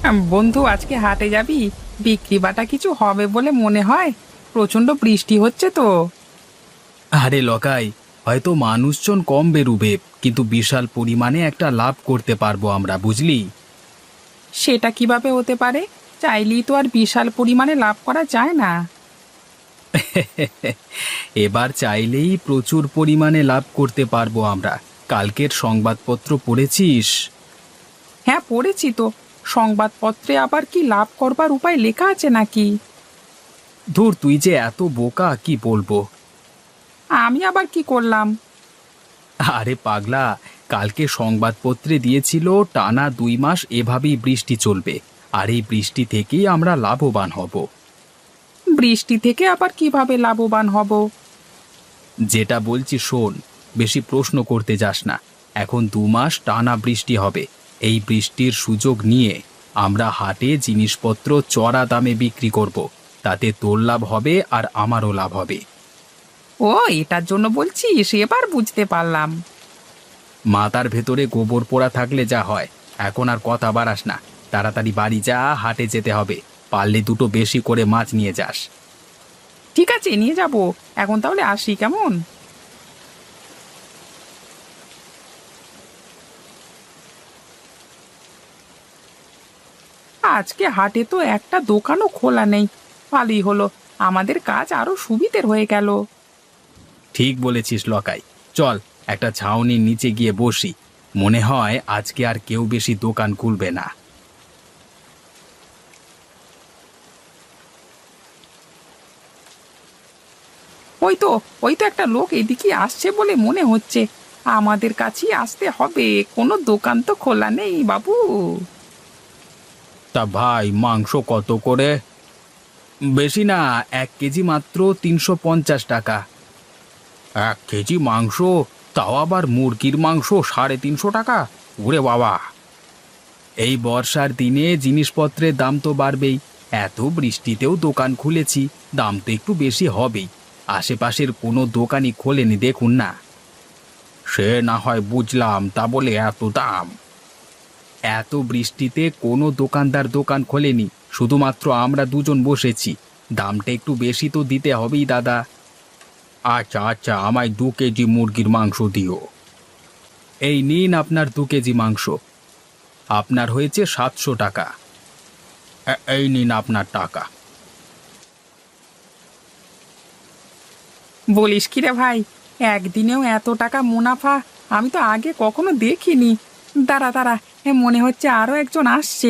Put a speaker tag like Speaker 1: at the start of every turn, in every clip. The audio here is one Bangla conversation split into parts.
Speaker 1: বন্ধু, আজকে হাটে যাবি? বিক্রি বাটা কিছু হবে বলে মনে হয়। প্রচন্ড বৃষ্টি হচ্ছে তো।
Speaker 2: আরে লকাই, হয়তো মানুষজন কম বেরুবে, কিন্তু বিশাল পরিমাণে একটা লাভ করতে পারবো আমরা, বুঝলি?
Speaker 1: সেটা কিভাবে হতে পারে? চাইলেই তো আর বিশাল পরিমাণে লাভ করা যায় না।
Speaker 2: এবার চাইলেই প্রচুর পরিমাণে লাভ করতে পারবো আমরা। কালকের সংবাদপত্র পড়েছিস?
Speaker 1: হ্যাঁ, পড়েছি তো। সংবাদপত্রে আবার কি লাভ করবার উপায় লেখা আছে নাকি?
Speaker 2: ধুর, তুই যে এত বোকা, কি বলবো।
Speaker 1: আমি আবার কি করলাম?
Speaker 2: আরে পাগলা, কালকে সংবাদপত্রে দিয়েছিল টানা 2 মাস এভাবেই বৃষ্টি চলবে, আর এই বৃষ্টি থেকেই আমরা লাভবান হব।
Speaker 1: বৃষ্টি থেকে আবার কিভাবে লাভবান হব?
Speaker 2: যেটা বলছি শোন, বেশি প্রশ্ন করতে যাস না। এখন 2 মাস টানা বৃষ্টি হবে। এই বৃষ্টির সুযোগ নিয়ে আমরা হাটে জিনিসপত্র চড়া দামে বিক্রি করব। তাতে তোর লাভ হবে আর আমারও লাভ হবে।
Speaker 1: ও, এটার জন্য বলছিস? এবার বুঝতে পারলাম।
Speaker 2: মাথার ভেতরে গোবর পোড়া থাকলে যা হয়। এখন আর কথা বাড়াস না, তাড়াতাড়ি বাড়ি যা, হাটে যেতে হবে। পারলে দুটো বেশি করে মাছ নিয়ে যাস।
Speaker 1: ঠিক আছে, নিয়ে যাব। এখন তাহলে আসি, কেমন? আজকে হাটে তো একটা দোকানও খোলা নেই। ভালোই হলো, আমাদের কাজ আরো সুবিধের হয়ে গেল।
Speaker 2: ঠিক বলেছিস লকাই। চল, একটা ছাউনির নিচে গিয়ে বসি। মনে হয় আজকে আর কেউ বেশি দোকান খুলবে না।
Speaker 1: ওই তো, ওই তো একটা লোক এদিকে আসছে বলে মনে হচ্ছে। আমাদের কাছেই আসতে হবে, কোনো দোকান তো খোলা নেই বাবু।
Speaker 2: তা ভাই, মাংস কত করে? বেশি না, 1 কেজি মাত্র 350 টাকা। 1 কেজি মাংস? তাও আবার মুরগির মাংস 350 টাকা? ওরে বাবা! এই বর্ষার দিনে জিনিসপত্রের দাম তো বাড়বেই। এত বৃষ্টিতেও দোকান খুলেছি, দাম তো একটু বেশি হবেই। আশেপাশের কোনো দোকানই খোলেনি, দেখুন না। সে না হয় বুঝলাম, তা বলে এত দাম? এত বৃষ্টিতে কোনো দোকানদার দোকান খোলেনি, শুধুমাত্র আমরা দুজন বসেছি। দামটা একটু বেশি তো দিতে হবেই দাদা। আচ্ছা আচ্ছা, আমায় 2 কেজি মুরগির মাংস দিও। এই নিন আপনার 2 কেজি মাংস। আপনার হয়েছে 700 টাকা। এই নিন আপনার টাকা।
Speaker 1: বলিস কি রে ভাই, একদিনেও এত টাকা মুনাফা আমি তো আগে কখনো দেখিনি। দাঁড়া দাঁড়া, মনে হচ্ছে আরো একজন আসছে।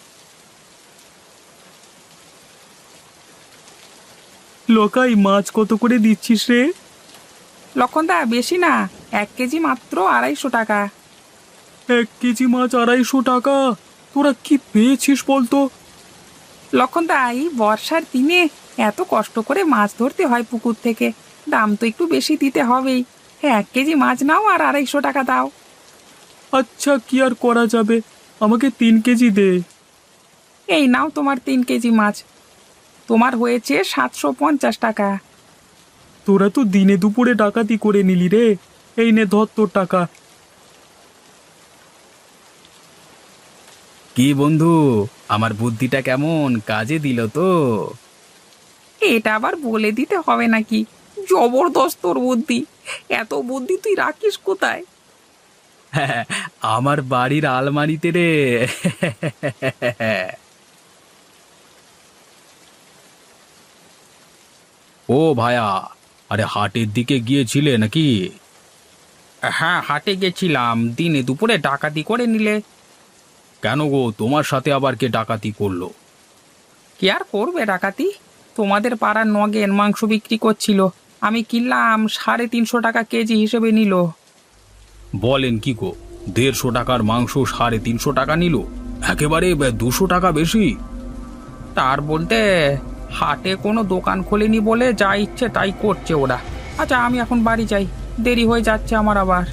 Speaker 2: লোকাই, মাছ কত করে দিচ্ছিস রে?
Speaker 1: লক্ষণদা, বেশি না, 1 কেজি মাত্র 250 টাকা।
Speaker 2: 1 কেজি মাছ 250 টাকা? তোরা কি পেয়েছিস বলতো?
Speaker 1: লক্ষণদা, এই বর্ষার দিনে এত কষ্ট করে মাছ ধরতে হয় পুকুর থেকে, দাম তো একটু বেশি দিতে হবেই। 1 কেজি মাছ নাও আর 250 টাকা দাও।
Speaker 2: আচ্ছা, কি আর করা যাবে, আমাকে 3 কেজি দে।
Speaker 1: এই নাও তোমার 3 কেজি মাছ। তোমার হয়েছে 750 টাকা।
Speaker 2: তোরা তো দিনে দুপুরে ডাকাতি করে নিলি রে। এই নে, ধর তোর টাকা। কি বন্ধু, আমার বুদ্ধিটা কেমন কাজে দিল তো?
Speaker 1: এটা আবার বলে দিতে হবে নাকি? জবরদস্ত তোর বুদ্ধি। এত বুদ্ধি তুই রাখিস কোথায়?
Speaker 2: হ্যাঁ, আমার বাড়ির আলমারিতে রে। ও ভায়া, আরে হাটের দিকে গিয়েছিলে নাকি?
Speaker 1: হ্যাঁ, হাটে গেছিলাম, দিনে দুপুরে ডাকাতি করে নিলে।
Speaker 2: কেন গো, তোমার সাথে আবার কে ডাকাতি করলো?
Speaker 1: কি আর করবে ডাকাতি? তোমাদের পাড়ার নগেন মাংস বিক্রি করছিল, আমি কিনলাম, 350 টাকা কেজি হিসেবে নিল।
Speaker 2: বলেন কি গো, 150 টাকার মাংস 350 টাকা নিল? একেবারে 200 টাকা বেশি।
Speaker 1: তার বলতে, হাটে কোনো দোকান খোলেনি বলে যা ইচ্ছে তাই করছে ওরা। আচ্ছা, আমি এখন বাড়ি যাই, দেরি হয়ে যাচ্ছে আমার আবার।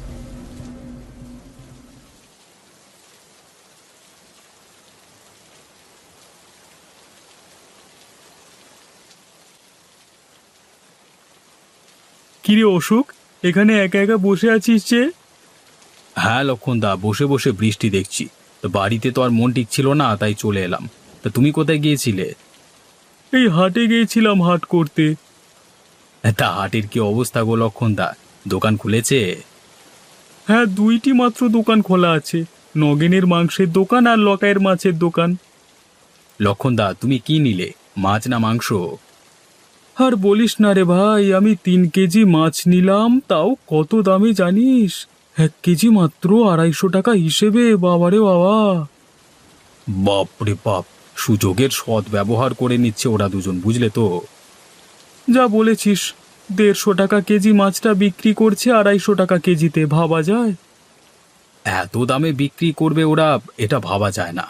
Speaker 2: কিরে অশোক, এখানে একা একা বসে আছিস যে? হ্যাঁ লক্ষণদা, বসে বসে বৃষ্টি দেখছি। তো বাড়িতে তো আর মন ঠিক ছিল না, তাই চলে এলাম। তা তুমি কোথায় গিয়েছিলে? এই হাটে গিয়েছিলাম হাট করতে। তা হাটের কি অবস্থা গো লক্ষণদা, দোকান খুলেছে? হ্যাঁ, দুইটি মাত্র দোকান খোলা আছে, নগেনের মাংসের দোকান আর লকাইয়ের মাছের দোকান। লক্ষণদা, তুমি কি নিলে, মাছ না মাংস? আর বলিস না রে ভাই, আমি 3 কেজি মাছ নিলাম, তাও কত দামে জানিস? 1 কেজি মাত্র 250 টাকা হিসেবে, বাবারে বাবা! বাপরে বাপ, সুযোগের সৎ ব্যবহার করে নিচ্ছে ওরা দুজন, বুঝলে তো? যা বলেছিস, 150 টাকা কেজি মাছটা বিক্রি করছে 250 টাকা কেজিতে, ভাবা যায়? এত দামে বিক্রি করবে ওরা, এটা ভাবা যায় না।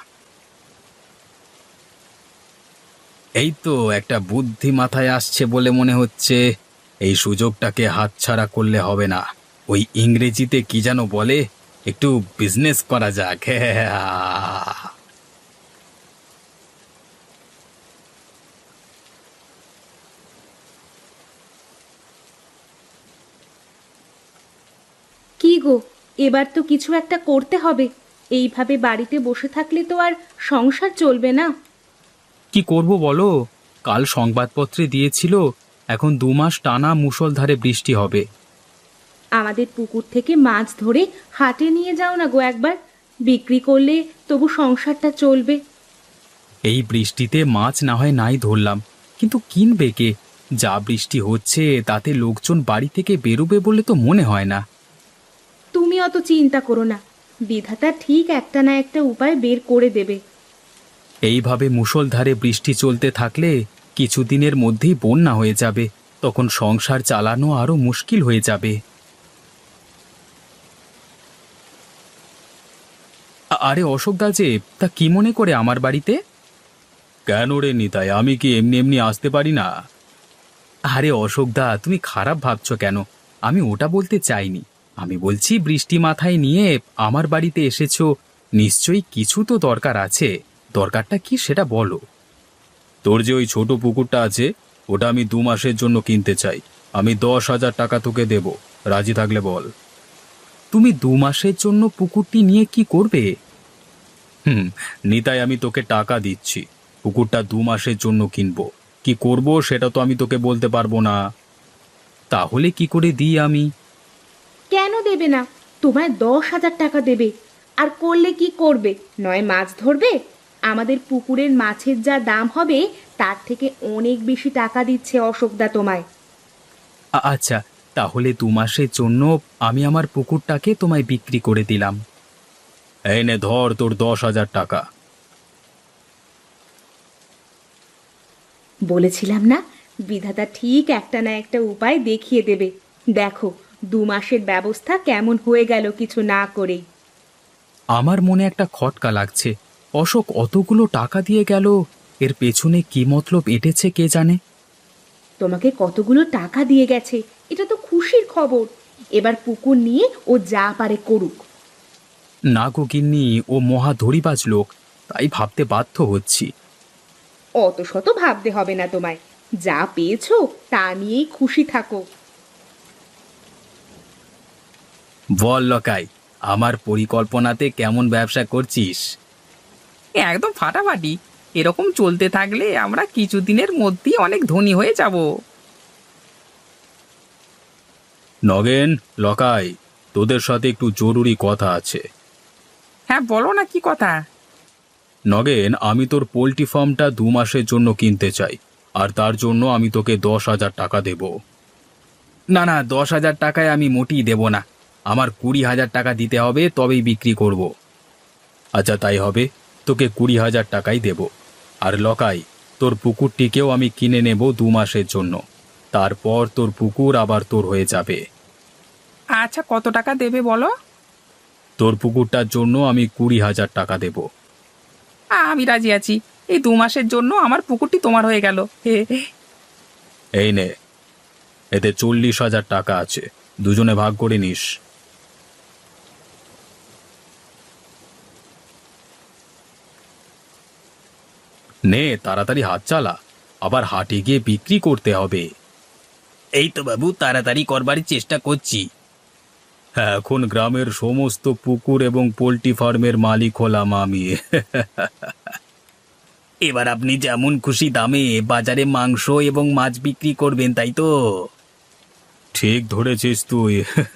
Speaker 2: এই তো একটা বুদ্ধি মাথায় আসছে বলে মনে হচ্ছে, এই সুযোগটাকে হাতছাড়া করলে হবে না। ওই ইংরেজিতে কি যেন বলে, একটু বিজনেস করা যাক।
Speaker 3: কি গো, এবার তো কিছু একটা করতে হবে। এইভাবে বাড়িতে বসে থাকলে তো আর সংসার চলবে না।
Speaker 2: কি করব বলো? কাল সংবাদপত্রে দিয়েছিল এখন 2 মাস টানা মুষলধারে বৃষ্টি হবে।
Speaker 3: আমাদের পুকুর থেকে মাছ ধরে হাটে নিয়ে যাও না গো একবার, বিক্রি করলে তবু সংসারটা চলবে।
Speaker 2: এই বৃষ্টিতে মাছ না হয় নাই ধরলাম, কিন্তু কিনবে কে? যা বৃষ্টি হচ্ছে তাতে লোকজন বাড়ি থেকে বেরোবে বলে তো মনে হয় না।
Speaker 3: তুমি অত চিন্তা করো না, বিধাতা ঠিক একটা না একটা উপায় বের করে দেবে।
Speaker 2: এইভাবে মুষলধারে বৃষ্টি চলতে থাকলে কিছুদিনের মধ্যেই বন্যা হয়ে যাবে, তখন সংসার চালানো আরো মুশকিল হয়ে যাবে। আরে অশোক দা যে, তা কি মনে করে আমার বাড়িতে? কেন রে নিতাই, আমি কি এমনি এমনি আসতে পারি না? আরে অশোক দা, তুমি খারাপ ভাবছো কেন? আমি ওটা বলতে চাইনি। আমি বলছি, বৃষ্টি মাথায় নিয়ে আমার বাড়িতে এসেছো, নিশ্চয়ই কিছু তো দরকার আছে। দরকারটা কি সেটা বলো। তোর যে ওই ছোট পুকুরটা আছে, ওটা আমি 2 মাসের জন্য কিনতে চাই। আমি 10,000 টাকা তোকে দেব, রাজি থাকলে বল। তুমি 2 মাসের জন্য পুকুরটি নিয়ে কি করবে? নিতাই, আমি তোকে টাকা দিচ্ছি, পুকুরটা 2 মাসের জন্য কিনবো। কি করব সেটা তো আমি তোকে বলতে পারবো না। তাহলে কি করে দিই আমি?
Speaker 3: কেন দেবে না? তোমায় 10,000 টাকা দেবে। আর করলে কি করবে? নয় মাছ ধরবে। আমাদের পুকুরের মাছের যা দাম হবে তার থেকে অনেক বেশি টাকা দিচ্ছে অশোকদা তোমায়।
Speaker 2: আচ্ছা, তাহলে 2 মাসের জন্য আমি আমার পুকুরটাকে তোমায় বিক্রি করে দিলাম। এই নে ধর তোর 10,000 টাকা।
Speaker 3: বলেছিলাম না, বিধাতা ঠিক একটা না একটা উপায় দেখিয়ে দেবে। দেখো, 2 মাসের ব্যবস্থা কেমন হয়ে গেল কিছু না করেই।
Speaker 2: আমার মনে একটা খটকা লাগছে। অশোক অতগুলো টাকা দিয়ে গেল, এর পেছনে কি মতলব এঁটেছে কে জানে।
Speaker 3: তোমাকে কতগুলো টাকা দিয়ে গেছে, এটা তো খুশির খবর। এবার পুকুর নিয়ে ও যা পারে করুক।
Speaker 2: না গো গিন্নি, ও মহা ধড়িবাজ লোক, তাই ভাবতে বাধ্য হচ্ছি।
Speaker 3: অত শত ভাবতে হবে না তোমায়, যা পেয়েছো তা নিয়েই খুশি থাকো।
Speaker 2: বল লকাই, আমার পরিকল্পনাতে কেমন ব্যবসা করছিস?
Speaker 1: একদম ফাটাফাটি। এরকম চলতে থাকলে আমরা কিছুদিনের মধ্যেই অনেক ধনী হয়ে যাব।
Speaker 2: নগেন, লকাই, তোদের সাথে একটু জরুরি কথা আছে।
Speaker 1: হ্যাঁ, বলো না, কি কথা?
Speaker 2: নগেন, আমি তোর পোল্ট্রি ফার্মটা 2 মাসের জন্য কিনতে চাই, আর তার জন্য আমি তোকে 10,000 টাকা দেব। না না, 10,000 টাকায় আমি মোটেই দেব না। আমার 20,000 টাকা দিতে হবে, তবেই বিক্রি করব। আচ্ছা তাই হবে, তোকে 20,000 টাকাই দেব। আর লকাই, তোর পুকুরটিকেও আমি কিনে নেব 2 মাসের জন্য, তারপর তোর পুকুর আবার তোর হয়ে যাবে।
Speaker 1: আচ্ছা, কত টাকা দেবে বলো?
Speaker 2: তোর পুকুরটার জন্য আমি 20,000 টাকা দেব।
Speaker 1: আমি রাজি আছি। এই 2 মাসের জন্য আমার পুকুরটি তোমার হয়ে গেল।
Speaker 2: এই নে, এতে 40,000 টাকা আছে, দুজনে ভাগ করে নিস। নে তাড়াতাড়ি হাত চালা, আবার হাটে গিয়ে বিক্রি করতে হবে। এই তো বাবু, তাড়াতাড়ি করবার চেষ্টা করছি। এখন গ্রামের সমস্ত পুকুর এবং পোল্ট্রি ফার্মের মালিক হলাম আমি। এবার আপনি যেমন খুশি দামে বাজারে মাংস এবং মাছ বিক্রি করবেন, তাই তো? ঠিক ধরেছিস তুই।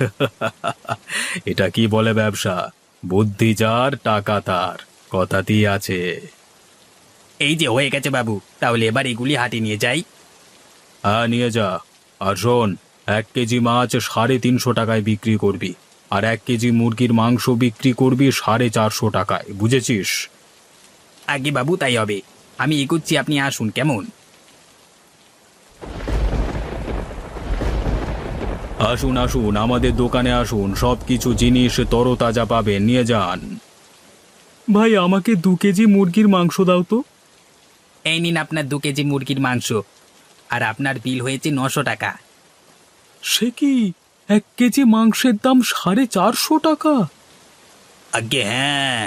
Speaker 2: এটা কি বলে ব্যবসা, বুদ্ধি যার টাকা তার, কথাতেই আছে। এই যে হয়ে গেছে বাবু, তাহলে এবার এগুলি হাটে নিয়ে যাই। হ্যাঁ, নিয়ে যা। আর শোন, 1 কেজি মাছ 350 টাকায় বিক্রি করবি, আর 1 কেজি মুরগির মাংস বিক্রি করবি 450 টাকায়, বুঝেছিস? আগে বাবু, তাই হবে। আমি এগোচ্ছি, আপনি আসুন কেমন। আসুন আসুন, আমাদের দোকানে আসুন, সব কিছু জিনিস তরতাজা পাবেন, নিয়ে যান। ভাই, আমাকে 2 কেজি মুরগির মাংস দাও তো। এই নিন আপনার 2 কেজি মুরগির মাংস, আর আপনার বিল হয়েছে 900 টাকা। সে কি, 1 কেজি মাংসের দাম 450 টাকা? আগে হ্যাঁ।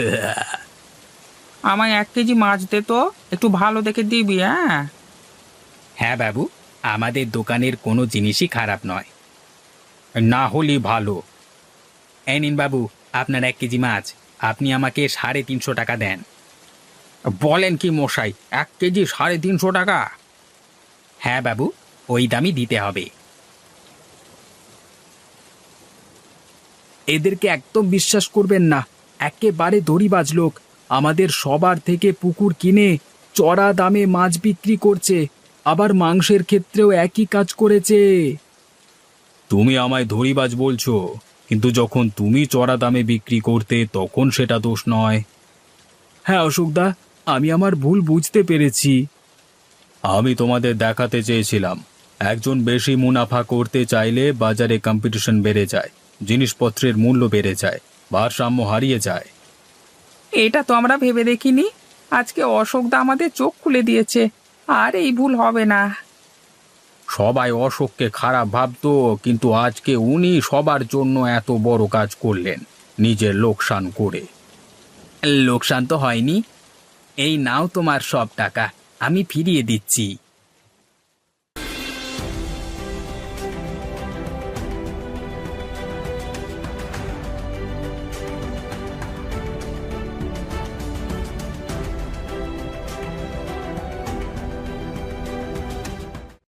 Speaker 1: আমায় 1 কেজি মাছ দে তো, একটু ভালো দেখে দিবি। হ্যাঁ
Speaker 2: হ্যাঁ বাবু, আমাদের দোকানের কোনো জিনিসই খারাপ নয়, না হলে ভালো। এই নিন বাবু আপনার 1 কেজি মাছ, আপনি আমাকে 350 টাকা দেন। বলেন কি মশাই, 1 কেজি 350 টাকা? হ্যাঁ বাবু, ওই দামই দিতে হবে। এদেরকে একদম বিশ্বাস করবেন না, একেবারে দড়িবাজ লোক। আমাদের সবার থেকে পুকুর কিনে চড়া দামে মাছ বিক্রি করছে, আবার মাংসের ক্ষেত্রেও একই কাজ করেছে। তুমি আমায় ধড়িবাজ বলছো, কিন্তু যখন তুমি চড়া দামে বিক্রি করতে তখন সেটা দোষ নয়। হ্যাঁ অশোকদা, আমি আমার ভুল বুঝতে পেরেছি। আমি তোমাদের দেখাতে চেয়েছিলাম, একজন বেশি মুনাফা করতে চাইলে বাজারে কম্পিটিশন বেড়ে যায়, জিনিসপত্রের মূল্য বেড়ে যায়, ভারসাম্য হারিয়ে যায়।
Speaker 1: এটা তো আমরা ভেবে দেখিনি। আজকে অশোকদা আমাদের চোখ খুলে দিয়েছে, আর এই ভুল হবে না।
Speaker 2: সবাই অশোককে খারাপ ভাবতো, কিন্তু আজকে উনি সবার জন্য এত বড় কাজ করলেন, নিজের লোকসান করে। লোকসান তো হয়নি, এই নাও তোমার সব টাকা, আমি ফিরিয়ে দিচ্ছি।